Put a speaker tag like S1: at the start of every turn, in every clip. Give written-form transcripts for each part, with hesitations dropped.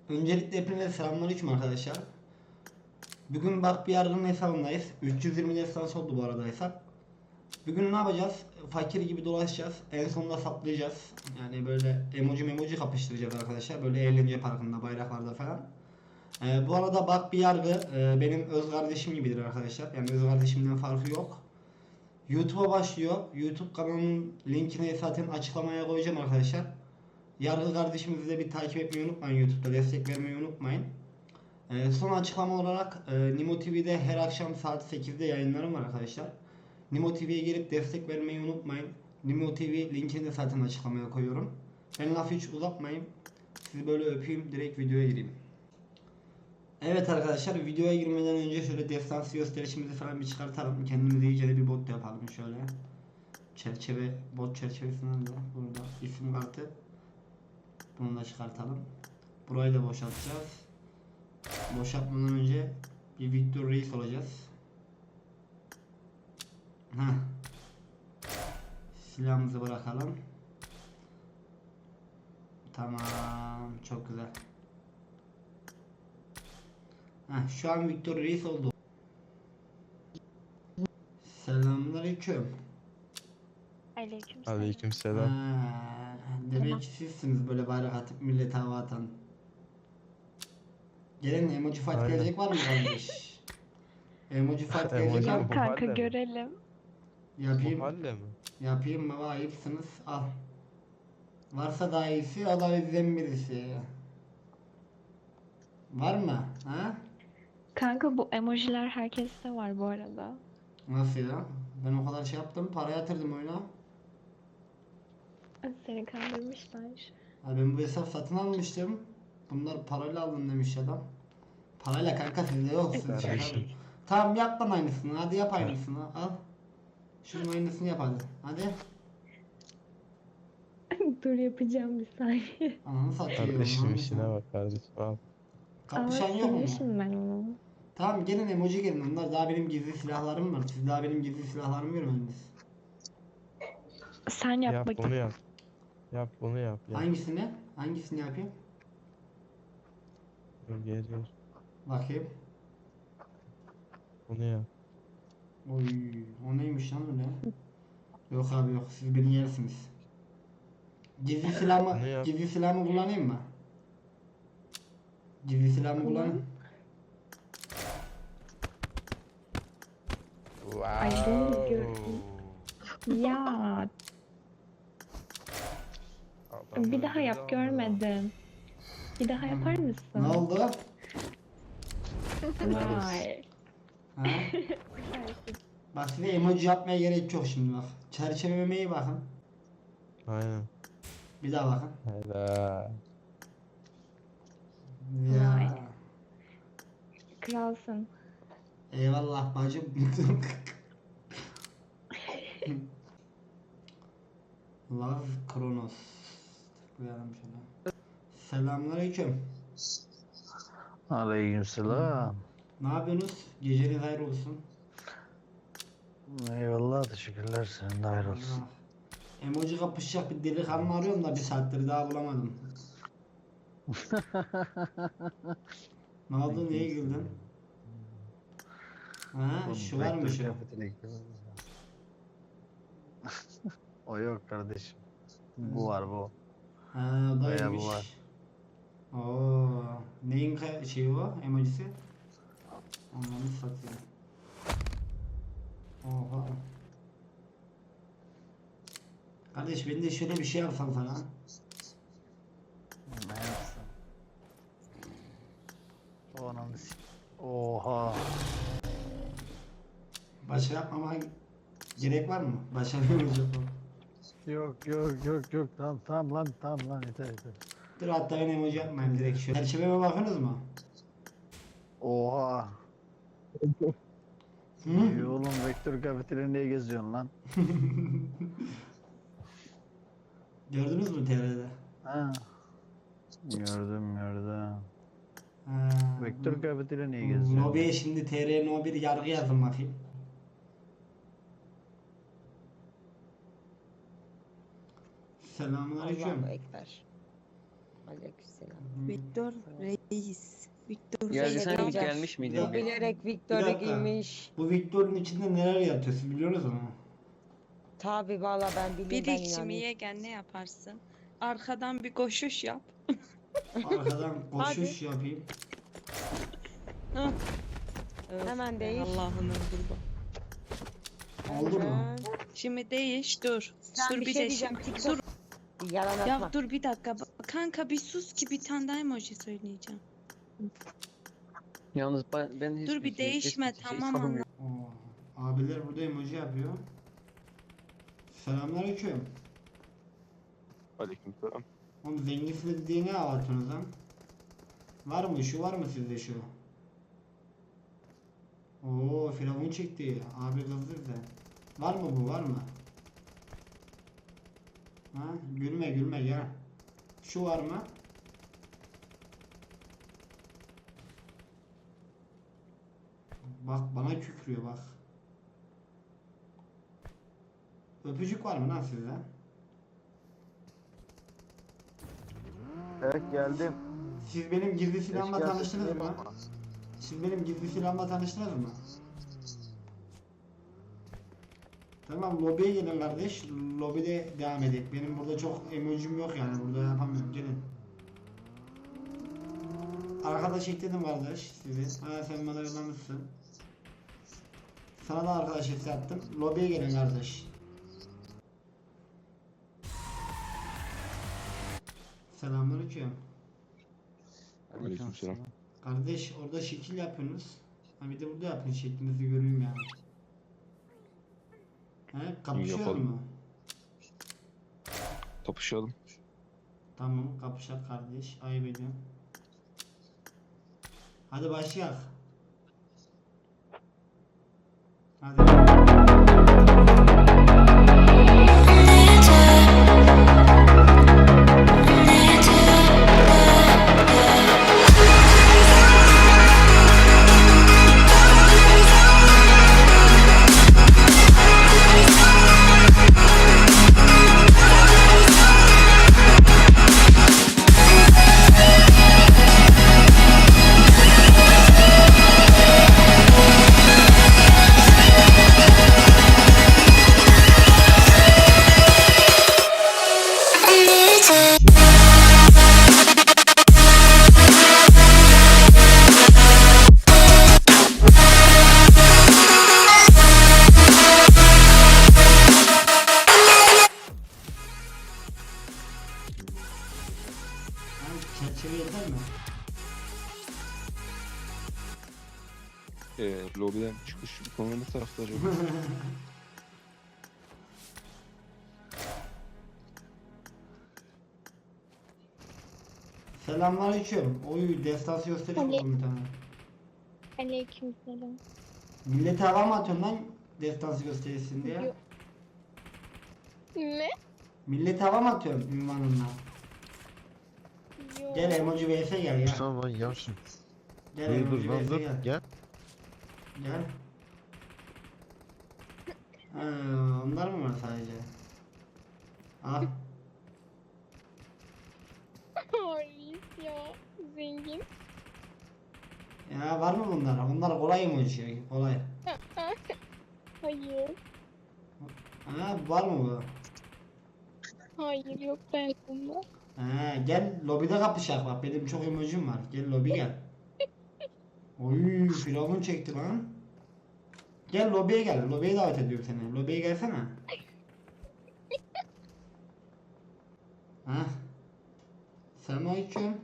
S1: Öncelikle hepinize selamünaleyküm arkadaşlar. Bugün bak bir yargının hesabındayız. 320 destans oldu bu arada hesap. Bugün ne yapacağız? Fakir gibi dolaşacağız. En sonunda saplayacağız. Yani böyle emoji kapıştıracağız arkadaşlar. Böyle eğlence parkında, bayraklarda falan. Bu arada bak bir yargı benim öz kardeşim gibidir arkadaşlar. Yani öz kardeşimden farkı yok. YouTube'a başlıyor. YouTube kanalının linkini zaten açıklamaya koyacağım arkadaşlar. Yargı kardeşimizi de bir takip etmeyi unutmayın. YouTube'da destek vermeyi unutmayın. Son açıklama olarak Nimo TV'de her akşam saat 8'de yayınlarım var arkadaşlar. Nimo TV'ye gelip destek vermeyi unutmayın. Nimo TV linkini de zaten açıklamaya koyuyorum. Ben lafı hiç uzatmayayım. Sizi böyle öpeyim, direkt videoya gireyim. Evet arkadaşlar, videoya girmeden önce şöyle destansı gösterişimizi falan bir çıkartalım. Kendimize iyice de bir bot yapalım şöyle. Çerçeve, bot çerçevesinden de burada isim kartı. Bunu da çıkartalım. Burayı da boşaltacağız. Boşaltmadan önce bir Victor Reis olacağız. Heh. Silahımızı bırakalım. Tamam, çok güzel. Heh, şu an Victor Reis oldu. Selamünaleyküm.
S2: Aleykümselam.
S3: Aleykümselam.
S1: Demek sizsiniz böyle bayrak atıp millete hava atan. Gelin emoji fight
S3: Aynen.
S1: gelecek var mı kardeş? Emoji fight gelecek
S3: Emoji
S1: var
S3: mi?
S1: mı?
S3: Bu
S2: Kanka
S3: halle mi?
S2: görelim.
S3: Bu
S1: Yapayım.
S3: halle mi?
S1: Yapayım baba, ayıpsınız. Al. Varsa daha iyisi, o da bizden birisi. Var mı? Ha?
S2: Kanka bu emojiler herkeste var bu arada.
S1: Nasıl ya? Ben o kadar şey yaptım, para yatırdım oyuna.
S2: Seni kandırmışlar.
S1: Ha, ben bu hesap satın almıştım. Bunlar parayla aldın demiş adam. Parayla kanka, sizde yok, siz şaka.
S3: Kardeşim.
S1: Tamam, yap lan aynısını, hadi yap aynısını, al. Şunun aynısını yap hadi. Hadi.
S2: Dur yapacağım bir saniye.
S1: Ananı satayım.
S3: Kardeşim
S1: Ananı
S3: işine
S1: satayım.
S3: bak kardeşim. Al.
S2: Ama
S1: Kapışan yok mu?
S2: silmişim ben onu.
S1: Tamam, gelin emoji gelin. Onlar daha benim gizli silahlarım var. Siz daha benim gizli silahlarımı görmediniz.
S2: Sen yap
S3: Yap bunu
S2: bakayım.
S3: yap. Yap bunu yap. Yap.
S1: Hangisini? Hangisini yapayım?
S3: Dur, geliyor.
S1: Bakayım.
S3: Bunu yap.
S1: Oy, o neymiş lan öyle? Yok abi yok, siz beni yersiniz. Gizli silahımı,
S3: Bunu yap.
S1: gizli silahımı kullanayım mı? Gizli silahımı kullanayım.
S2: Ay, bunu
S3: Wow.
S2: gördüm. Ya
S3: Adam
S2: bir daha
S3: öldürdü
S2: yap,
S3: ama.
S2: görmedim. Bir daha yapar
S1: Ne
S2: mısın?
S1: oldu?
S2: Vay.
S1: Ha? Bak, size emoji yapmaya gerek yok şimdi bak. Çerçeveme iyi bakın.
S3: Aynen.
S1: Bir daha bakın.
S3: Hayda.
S2: Vay.
S1: Ya.
S2: Kralsın.
S1: Eyvallah bacım. Love Kronos. Tıklayalım şöyle. Selamünaleyküm.
S4: Aleykümselam.
S1: Ne yapıyorsunuz? Geceniz hayır olsun.
S4: Eyvallah, teşekkürler. Senin de hayır olsun.
S1: Allah. Emoji kapışacak bir delikanlı arıyorum da bir saattir daha bulamadım. Ne oldu? Niye güldün? Ha, şu var mı şu?
S4: O yok kardeşim. Bu var bu.
S1: Ha, o
S4: Bayağı
S1: daymış.
S4: bu var.
S1: Oo, neyin şeyi o? Emojisi? Ananı satayım. Oha. Kardeş, ben de şöyle bir şey yapsam sana.
S4: Ne yapsın? O ananı Oha.
S1: Başka yapmama gerek var mı? Başka bir emoji yapalım.
S4: Yok. Tamam lan yeter.
S1: Dur, hatta ben emoji yapmayayım, direkt şu. Çerçeveme bakınız mı?
S4: Oha.
S1: Hı?
S4: İyi oğlum, vektör kafeteryada niye geziyorsun lan?
S1: Gördünüz mü TR'de?
S4: Ha. Gördüm.
S1: Ha,
S4: Vektör kafeteryada niye geziyorsun?
S1: Nobi'ye şimdi TR No 1 yargı yazın bakayım.
S5: Allahu
S1: Selamünaleyküm.
S5: Ekber. Aleykümselam.
S6: Victor Reis. Victor
S5: Ya
S6: Reis.
S5: sen
S6: Hocam,
S5: gelmiş miydin?
S1: Ya
S5: bir?
S6: Bilerek
S1: Bir
S6: Victor'u
S1: dakika.
S6: giymiş.
S1: Bu Victor'un içinde neler yatıyor siz biliyorsunuz mu?
S6: Tabi valla ben biliyorum,
S7: Bir
S6: ben
S7: ekşimi
S6: inanıyorum.
S7: yegen ne yaparsın? Arkadan bir koşuş yap.
S1: Arkadan koşuş yapayım.
S7: Öf
S6: Hemen
S7: be,
S6: değiş.
S7: Allah'ın kurban.
S1: Oldu mu?
S6: Hemen.
S7: Şimdi değiş dur.
S6: Sen
S7: Dur
S6: bir
S7: bir
S6: şey
S7: de
S6: diyeceğim,
S7: şimdi.
S6: TikTok-
S7: Dur.
S6: Yalan atma.
S7: Ya dur bir dakika. Kanka bir sus ki bir tane daha emoji söyleyeceğim.
S5: Yalnız ben hiçbir
S7: Dur bir
S5: şey,
S7: değişme,
S5: hiçbir şey
S7: tamam
S5: savunmuyorum.
S1: Oo, abiler burada emoji yapıyor. Selamünaleyküm.
S8: Aleykümselam.
S1: Oğlum zenginsiniz diye ne avatıyorsunuz lan? Var mı? Şu var mı sizde şu? Oo, firavun çekti. Abi kızdı bize. Var mı bu? Var mı? Ha? Gülme gülme gel. Şu var mı? Bak bana kükrüyor bak. Öpücük var mı lan sizde?
S4: Evet geldim.
S1: Siz benim gizli silahımla
S4: Eşkıya
S1: tanıştınız
S4: sesini
S1: mı?
S4: yapma.
S1: Siz benim gizli silahımla tanıştınız mı? Tamam lobiye gelin kardeş. Lobide devam edelim. Benim burada çok emojim yok yani. Burada yapamıyorum. Gelin. Arkadaş ekledim kardeş sizi. Ha sen bana yollamışsın. Sana da arkadaş isteği attım. Lobiye gelin kardeş. Selamünaleyküm.
S8: Aleykümselam.
S1: Kardeş orada şekil yapıyorsunuz. Ha bir de burada yapın şeklinizi göreyim yani. He kapışıyor
S8: Yapalım.
S1: mu?
S8: Kapışalım.
S1: Tamam kapışak kardeş. Ayıp ediyorum. Hadi başlayalım. Hadi. Çerçeve yeter mi?
S8: Lobiden çıkış konu ne tarafta acaba?
S1: Selamünaleyküm. Oy destansı gösteriş
S2: Ale-
S1: buldum bir tane.
S2: Aleykümselam.
S1: Millete hava mı atıyorsun lan destansı gösterirsin diye?
S2: Yok. Ne?
S1: Millete hava mı atıyorsun ünvanınla?
S2: Yok.
S1: Gel emoji vs gel ya.
S4: Tamam yavşın.
S1: Gel
S4: Dur
S1: emoji
S4: dur lan
S1: vs
S4: dur.
S1: gel.
S4: Gel.
S1: Gel. Ha, onlar mı var sadece? Al.
S2: Reis ya. Zengin.
S1: Ya var mı bunlar? Onlar kolay emoji. Kolay.
S2: Hayır.
S1: Ha var mı bu?
S2: Hayır yok ben bunda.
S1: Ha gel lobide kapışak bak benim çok emojim var. Gel lobi gel. Oy firavun çekti lan. Gel lobiye gel. Lobiye davet ediyorum seni. Lobiye gelsene. Ha. Selamünaleyküm.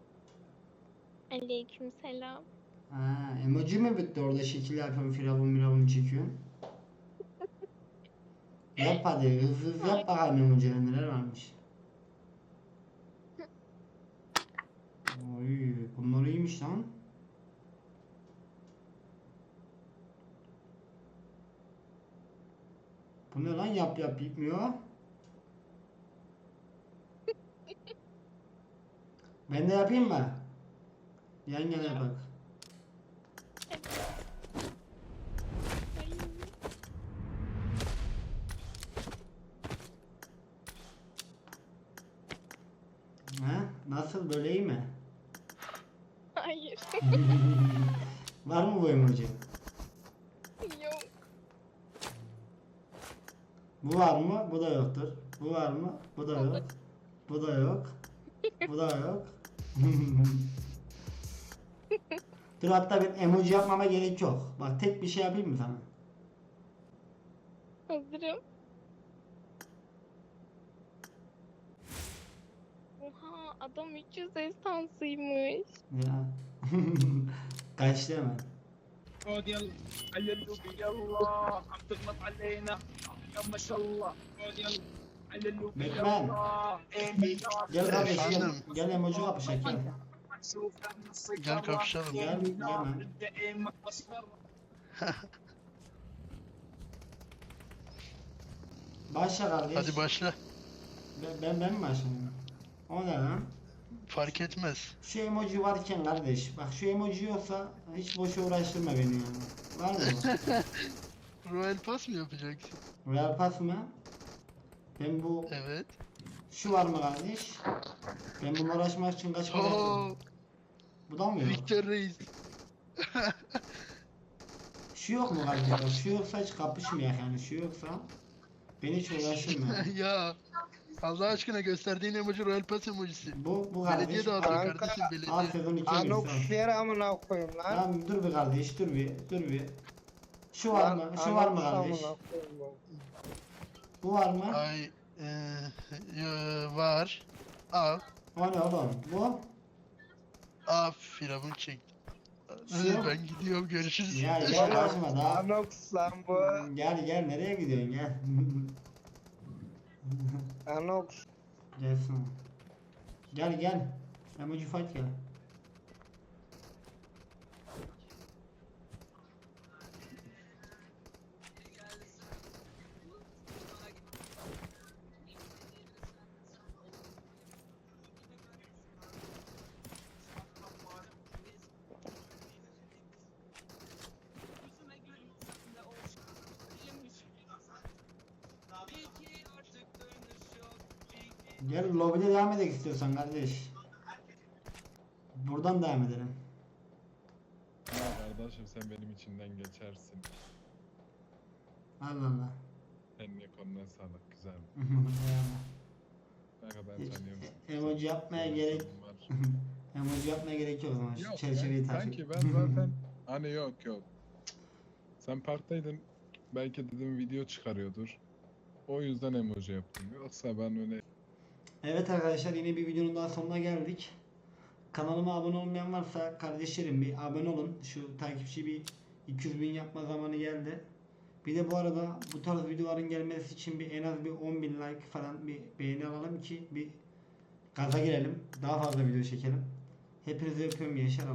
S2: Aleykümselam.
S1: Ha, emoji mi bitti orada şekil yapıyorum firavun çekiyorsun. Yap hadi hızlı yap bakalım emojiler neler varmış. Oy bunlar iyiymiş lan. Bu ne lan yap bitmiyor. Ben de yapayım mı? Yan yana bak. Ha? Nasıl, böyle iyi mi?
S2: Hayır.
S1: Var mı bu emoji?
S2: Yok.
S1: Bu var mı? Bu da yoktur. Bu var mı? Bu da yok. Bu da yok. Bu da yok. Dur, hatta bir emoji yapmama gerek yok. Bak, tek bir şey yapayım mı sana?
S2: Hazırım. Oha, adam 300 estansıymış.
S1: Ya. Kaçtı hemen.
S5: عود يلا عللوا بي يلا عم تغلط علينا يا ما شاء الله عود يلا عللوا بي
S1: Batman.
S5: يلا ايه بالنار
S1: Gel kardeş, gel.
S9: Efendim?
S1: Gel emoji kapışak, gel.
S5: شوف من السيطرة
S9: Gel kapışalım.
S1: Gel,
S5: ايه
S1: gel
S5: بالنار
S1: lan.
S5: انت ايه ما تصبر
S1: Başla kardeş.
S9: Hadi başla.
S1: Ben mi başlayayım? O ne lan?
S9: Fark etmez.
S1: Şu emoji varken kardeş, bak şu emoji yoksa hiç boşa uğraştırma beni yani. Var mı bu?
S9: Royal Pass mı yapacaksın?
S1: Real Pass mı? Ben bu,
S9: Evet.
S1: şu var mı kardeş? Ben bununla uğraşmak için kaç para
S9: Oo,
S1: yaptım? Bu da mı yok?
S9: Victor Reis.
S1: Şu yok mu kardeş? Bak, şu yoksa hiç kapışmayak yani, şu yoksa beni hiç uğraştırma.
S9: Ya Allah aşkına gösterdiğin emoji Royal Pass emojisi.
S1: Bu
S9: Belediye
S1: kardeş.
S9: dağıtıyor kardeşim
S1: Al
S9: belediye.
S1: sezon 2
S6: Anox yer amına koyayım lan.
S1: Tamam, dur bir kardeş, dur bir. Şu var mı? Şu var mı kardeş? Bu var mı?
S9: Ay var. Al.
S1: O ne oğlum? Bu?
S9: Al firavun çek.
S1: Şu?
S9: Ben gidiyorum görüşürüz.
S1: Gel kaçma daha.
S6: Anox lan bu.
S1: Gel nereye gidiyorsun, gel.
S6: Anox.
S1: Gelsin. Gel. Emoji fight gel. Gel lobide devam edelim istiyorsan kardeş. Buradan devam edelim.
S10: Ya kardeşim sen benim içinden geçersin.
S1: Allah.
S10: Eline koluna sağlık güzel. Ne kadar
S1: Hiç
S10: tanıyorum.
S1: emoji yapmaya gerek emoji yapmaya gerek yok o zaman. Şu
S10: Yok
S1: çerçeveyi
S10: ya,
S1: takip.
S10: sanki ben zaten hani yok. Sen parktaydın, belki dedim video çıkarıyordur. O yüzden emoji yaptım. Yoksa ben öyle
S1: Evet arkadaşlar, yine bir videonun daha sonuna geldik. Kanalıma abone olmayan varsa kardeşlerim bir abone olun. Şu takipçi bir 200.000 yapma zamanı geldi. Bir de bu arada bu tarz videoların gelmesi için bir en az bir 10.000 like falan, bir beğeni alalım ki bir gaza girelim. Daha fazla video çekelim. Hepinizi öpüyorum gençler.